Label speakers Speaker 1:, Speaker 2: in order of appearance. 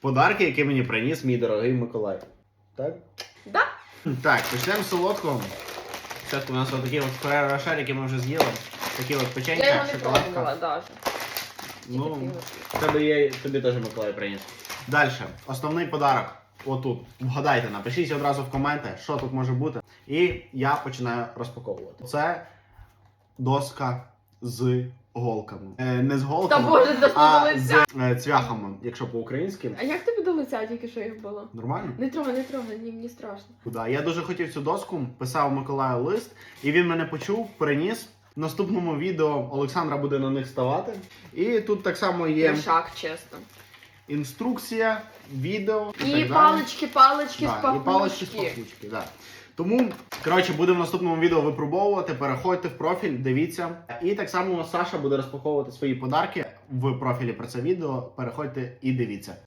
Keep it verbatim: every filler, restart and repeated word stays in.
Speaker 1: подарки, які мені приніс мій дорогий Миколай. Так?
Speaker 2: Да.
Speaker 1: Так, почнемо з солодкого. Спочатку у нас отакі от Ferrero Rocher, які ми вже з'їли. Такі от
Speaker 2: Я
Speaker 1: печенька,
Speaker 2: його не
Speaker 1: шоколадка.
Speaker 2: пробувала навіть.
Speaker 1: Ну, тебе є, тобі теж Миколай приніс. Далі, основний подарок. Отут. Вгадайте, напишіть одразу в коменти, що тут може бути. І я починаю розпаковувати. Це доска з голками. Е, не з
Speaker 2: Та
Speaker 1: голками,
Speaker 2: боже, до
Speaker 1: а
Speaker 2: лиця.
Speaker 1: з е, цвяхами, якщо по-українськи.
Speaker 2: А як тобі до лиця тільки що їх було?
Speaker 1: Нормально?
Speaker 2: Не трогай, не трогай, ні, мені страшно.
Speaker 1: Да. Я дуже хотів цю доску, писав Миколаю лист, і він мене почув, приніс. В наступному відео Олександра буде на них ставати. І тут так само є
Speaker 2: Трешак, чесно.
Speaker 1: інструкція, відео.
Speaker 2: І
Speaker 1: так
Speaker 2: палички, палички
Speaker 1: далі.
Speaker 2: з
Speaker 1: Да, і палички з
Speaker 2: пахучки.
Speaker 1: пахучки, да. Тому, коротше, будемо в наступному відео випробовувати, переходьте в профіль, дивіться. І так само Саша буде розпаковувати свої подарки в профілі про це відео. Переходьте і дивіться.